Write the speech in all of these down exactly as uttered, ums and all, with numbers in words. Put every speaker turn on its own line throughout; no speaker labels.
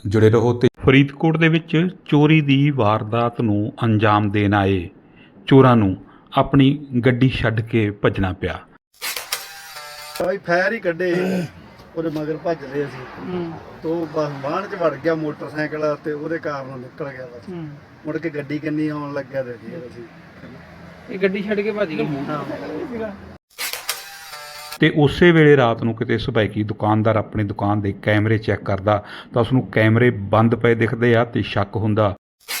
जुड़े रहो। ते फरीदकोट ਦੇ ਵਿੱਚ ਚੋਰੀ ਦੀ ਵਾਰਦਾਤ ਨੂੰ ਅੰਜਾਮ ਦੇਣ ਆਏ ਚੋਰਾਂ ਨੂੰ ਆਪਣੀ ਗੱਡੀ ਛੱਡ ਕੇ ਭੱਜਣਾ ਪਿਆ।
ਭਾਈ ਫੈਰ ਹੀ ਕੱਢੇ ਉਹਦੇ ਮਗਰ ਭੱਜਦੇ ਅਸੀਂ ਤੋਂ ਬਸ ਬਾਹਣ ਚ ਵੜ ਗਿਆ ਮੋਟਰਸਾਈਕਲ ਤੇ ਉਹਦੇ ਕਾਰਨ ਨਿਕਲ ਗਿਆ ਬਸ। ਮੁੜ ਕੇ ਗੱਡੀ ਕਿੰਨੀ ਆਉਣ ਲੱਗਿਆ ਤੇ ਫਿਰ ਅਸੀਂ
ਇਹ ਗੱਡੀ ਛੱਡ ਕੇ ਭੱਜ ਗਏ।
ਤੇ ਉਸੇ ਵੇਲੇ ਰਾਤ ਨੂੰ ਕਿਤੇ ਸੁਭਾਈਕੀ ਦੁਕਾਨਦਾਰ ਆਪਣੀ ਦੁਕਾਨ ਦੇ ਕੈਮਰੇ ਚੈੱਕ ਕਰਦਾ ਤਾਂ ਉਸਨੂੰ ਕੈਮਰੇ ਬੰਦ ਪਏ ਦਿਖਦੇ ਆ ਤੇ ਸ਼ੱਕ ਹੁੰਦਾ।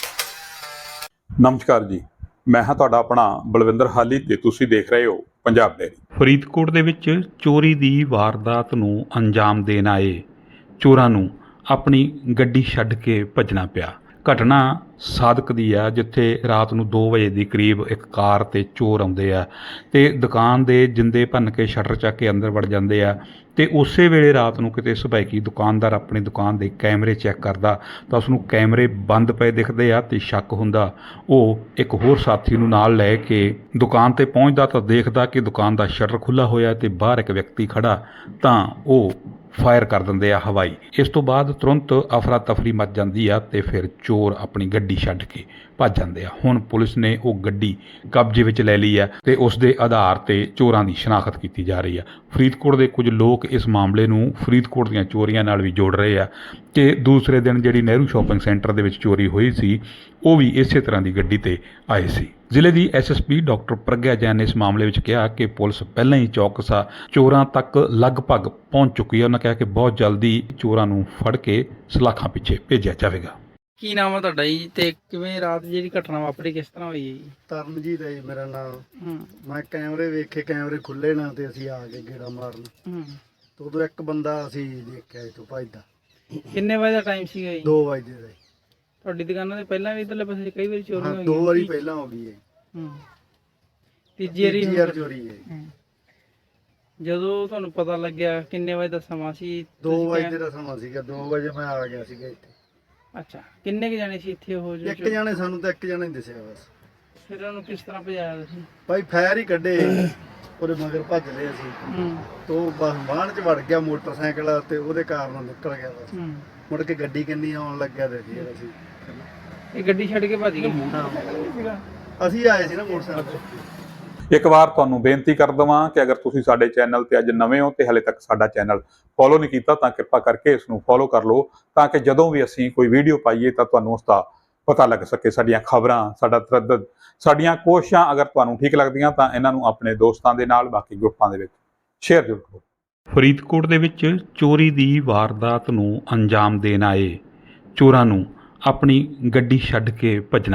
ਨਮਸਕਾਰ ਜੀ, ਮੈਂ ਹਾਂ ਤੁਹਾਡਾ ਆਪਣਾ ਬਲਵਿੰਦਰ ਹਾਲੀ ਤੇ ਤੁਸੀਂ ਦੇਖ ਰਹੇ ਹੋ ਪੰਜਾਬ ਡੇਰੀ। ਫਰੀਦਕੋਟ ਦੇ ਵਿੱਚ ਚੋਰੀ ਦੀ ਵਾਰਦਾਤ ਨੂੰ ਅੰਜਾਮ ਦੇਣ ਆਏ ਚੋਰਾਂ ਨੂੰ ਆਪਣੀ ਗੱਡੀ ਛੱਡ ਕੇ ਭੱਜਣਾ ਪਿਆ। ਘਟਨਾ ਸਾਦਕ ਦੀ ਆ, ਜਿੱਥੇ ਰਾਤ ਨੂੰ ਦੋ ਵਜੇ ਦੀ ਕਰੀਬ ਇੱਕ ਕਾਰ ਤੇ ਚੋਰ ਆਉਂਦੇ ਆ ਤੇ ਦੁਕਾਨ ਦੇ ਜਿੰਦੇ ਭੰਨ ਕੇ ਸ਼ਟਰ ਚੱਕ ਕੇ ਅੰਦਰ ਵੜ ਜਾਂਦੇ ਆ। ਤੇ ਉਸੇ ਵੇਲੇ ਰਾਤ ਨੂੰ ਕਿਤੇ ਸੁਭਾਈਕੀ ਦੁਕਾਨਦਾਰ ਆਪਣੀ ਦੁਕਾਨ ਦੇ ਕੈਮਰੇ ਚੈੱਕ ਕਰਦਾ ਤਾਂ ਉਸਨੂੰ ਕੈਮਰੇ ਬੰਦ ਪਏ ਦਿਖਦੇ ਆ ਤੇ ਸ਼ੱਕ ਹੁੰਦਾ। ਉਹ ਇੱਕ ਹੋਰ ਸਾਥੀ ਨੂੰ ਨਾਲ ਲੈ ਕੇ ਦੁਕਾਨ ਤੇ ਪਹੁੰਚਦਾ ਤਾਂ ਦੇਖਦਾ ਕਿ ਦੁਕਾਨ ਦਾ ਸ਼ਟਰ ਖੁੱਲ੍ਹਾ ਹੋਇਆ ਤੇ ਬਾਹਰ ਇੱਕ ਵਿਅਕਤੀ ਖੜਾ, ਤਾਂ ਉਹ ਫਾਇਰ ਕਰ ਦਿੰਦੇ ਆ ਹਵਾਈ। ਇਸ ਤੋਂ ਬਾਅਦ ਤੁਰੰਤ ਅਫਰਾ ਤਫਰੀ ਮਚ ਜਾਂਦੀ ਆ ਤੇ ਫਿਰ ਚੋਰ ਆਪਣੀ ਗੱਡੀ ਛੱਡ ਕੇ ਭੱਜ ਜਾਂਦੇ ਆ। ਹੁਣ ਪੁਲਿਸ ਨੇ ਉਹ ਗੱਡੀ ਕਬਜ਼ੇ ਵਿੱਚ ਲੈ ਲਈ ਆ ਤੇ ਉਸ ਦੇ ਆਧਾਰ ਤੇ ਚੋਰਾਂ ਦੀ ਸ਼ਨਾਖਤ ਕੀਤੀ ਜਾ ਰਹੀ ਆ। ਫਰੀਦਕੋਟ ਦੇ ਕੁਝ ਲੋਕ ਇਸ ਮਾਮਲੇ ਨੂੰ ਫਰੀਦਕੋਟ ਦੀਆਂ ਚੋਰੀਆਂ ਨਾਲ ਵੀ ਜੋੜ ਰਹੇ ਆ ਕਿ ਦੂਸਰੇ ਦਿਨ ਜਿਹੜੀ ਨਹਿਰੂ ਸ਼ਾਪਿੰਗ ਸੈਂਟਰ ਦੇ ਵਿੱਚ ਚੋਰੀ ਹੋਈ ਸੀ ਉਹ ਵੀ ਇਸੇ ਤਰ੍ਹਾਂ ਦੀ ਗੱਡੀ ਤੇ ਆਏ ਸੀ। ਜ਼ਿਲ੍ਹੇ ਦੀ S S P doctor Pragya Jain ਨੇ ਇਸ ਮਾਮਲੇ ਵਿੱਚ ਕਿਹਾ ਕਿ ਪੁਲਿਸ ਪਹਿਲਾਂ ਹੀ ਚੌਕਸ ਆ, ਚੋਰਾਂ ਤੱਕ ਲਗਭਗ ਪਹੁੰਚ ਚੁੱਕੀ ਹੈ। ਉਹਨਾਂ ਕਿਹਾ ਕਿ ਬਹੁਤ ਜਲਦੀ ਚੋਰਾਂ ਨੂੰ ਫੜ ਕੇ ਸਲਾਖਾਂ ਪਿੱਛੇ ਭੇਜਿਆ ਜਾਵੇਗਾ।
ਕੀ ਨਾਮ ਹੈ ਤੁਹਾਡਾ ਜੀ ਤੇ ਕਿਵੇਂ ਰਾਤ ਜਿਹੜੀ ਘਟਨਾ ਵਾਪਰੀ ਕਿਸ ਤਰ੍ਹਾਂ ਹੋਈ ਹੈ ਜੀ?
ਤਰਨਜੀਤ ਹੈ ਜੀ ਮੇਰਾ ਨਾਮ।
ਹੂੰ
ਮੈਂ ਕੈਮਰੇ ਵੇਖੇ, ਕੈਮਰੇ ਖੁੱਲੇ ਨਾ ਤੇ ਅਸੀਂ ਆ ਗਏ ਗੇੜਾ ਮਾਰਨ।
ਹੂੰ
ਤੇ ਉਦੋਂ ਇੱਕ ਬੰਦਾ ਅਸੀਂ ਦੇਖਿਆ ਇੱਥੋਂ ਭੱਜਦਾ।
ਕਿੰਨੇ ਵਜੇ ਦਾ ਟਾਈਮ ਸੀਗਾ ਜੀ?
ਦੋ ਵਜੇ ਦਾ ਜੀ।
ਤੁਹਾਡੀ ਦੁਕਾਨਾਂ ਦੇ ਪਹਿਲਾਂ ਵੀ ਇਧਰਲੇ ਪਾਸੇ ਕਈ ਵਾਰੀ ਚੋਰੀ
ਹਾਂ,
ਹੋਈ
ਦੋ ਵਾਰੀ ਪਹਿਲਾਂ ਹੋ ਗਈ ਹੈ।
ਹੂੰ ਤੀਜੀ ਵਾਰੀ
ਤੀਜੀ ਵਾਰ ਚੋਰੀ ਹੈ।
ਹੂੰ। ਜਦੋਂ ਤੁਹਾਨੂੰ ਪਤਾ ਲੱਗਿਆ ਕਿੰਨੇ ਵਜੇ ਦਾ ਸਮਾਂ ਸੀ?
ਦੋ
ਤੁਸੀਂ
ਵਜੇ
ਕਹਿ-
ਦਾ ਸਮਾਂ ਸੀਗਾ। ਦੋ ਵਜੇ ਮੈਂ ਆ ਗਿਆ ਸੀਗਾ ਇੱਥੇ।
ਅੱਛਾ, ਕਿੰਨੇ ਕੁ ਜਾਣੇ ਸੀ ਇੱਥੇ ਉਹ ਜੋ
ਇੱਕ ਜਾਣੇ ਸਾਨੂੰ ਤਾਂ ਇੱਕ ਜਾਣੇ ਦਿਸਿਆ ਬਸ।
ਫਿਰ ਉਹਨੂੰ ਕਿਸ ਤਰ੍ਹਾਂ ਭਜਾਇਆ ਤੁਸੀਂ?
ਭਾਈ ਫੈਰ ਹੀ ਕੱਢੇ ਉਹਦੇ ਮਗਰ ਭੱਜਦੇ ਅਸੀਂ
ਹੂੰ
ਤੋਂ ਬਸ ਬਾਹਣ ਚ ਵੜ ਗਿਆ ਮੋਟਰਸਾਈਕਲ ਤੇ ਉਹਦੇ ਕਾਰਨ ਨਿਕਲ ਗਿਆ ਬਸ।
ਹੂੰ
ਮੁੜ ਕੇ ਗੱਡੀ ਕਿੰਨੀ ਆਉਣ ਲੱਗਿਆ ਤੇ ਫਿਰ ਅਸੀਂ
ਇਹ ਗੱਡੀ ਛੱਡ ਕੇ ਭੱਜ ਗਏ।
ਅਸੀਂ ਆਏ ਸੀ ਨਾ ਮੋਟਰਸਾਈਕਲ ਤੇ।
ਇੱਕ ਵਾਰ ਤੁਹਾਨੂੰ ਬੇਨਤੀ ਕਰ ਦਵਾਂ ਕਿ ਅਗਰ ਤੁਸੀਂ ਸਾਡੇ ਚੈਨਲ ਤੇ ਅੱਜ ਨਵੇਂ ਹੋ ਤੇ ਹਲੇ ਤੱਕ ਸਾਡਾ ਚੈਨਲ ਫੋਲੋ ਨਹੀਂ ਕੀਤਾ ਤਾਂ ਕਿਰਪਾ ਕਰਕੇ ਇਸ ਨੂੰ ਫੋਲੋ ਕਰ ਲਓ, ਤਾਂ ਕਿ ਜਦੋਂ ਵੀ ਅਸੀਂ ਕੋਈ ਵੀਡੀਓ ਪਾਈਏ ਤਾਂ ਤੁਹਾਨੂੰ ਉਸ ਦਾ ਪਤਾ ਲੱਗ ਸਕੇ। ਸਾਡੀਆਂ ਖਬਰਾਂ, ਸਾਡਾ ਤਰੱਦਦ, ਸਾਡੀਆਂ ਕੋਸ਼ਿਸ਼ਾਂ ਅਗਰ ਤੁਹਾਨੂੰ ਠੀਕ ਲੱਗਦੀਆਂ ਤਾਂ ਇਹਨਾਂ ਨੂੰ ਆਪਣੇ ਦੋਸਤਾਂ ਦੇ ਨਾਲ, ਬਾਕੀ ਗਰੁੱਪਾਂ ਦੇ ਵਿੱਚ ਸ਼ੇਅਰ ਜ਼ਰੂਰ ਕਰੋ। ਫਰੀਦਕੋਟ ਦੇ ਵਿੱਚ ਚੋਰੀ ਦੀ ਵਾਰਦਾਤ ਨੂੰ ਅੰਜਾਮ ਦੇਣ ਆਏ ਚੋਰਾਂ ਨੂੰ ਆਪਣੀ ਗੱਡੀ ਛੱਡ ਕੇ ਭੱਜਣਾ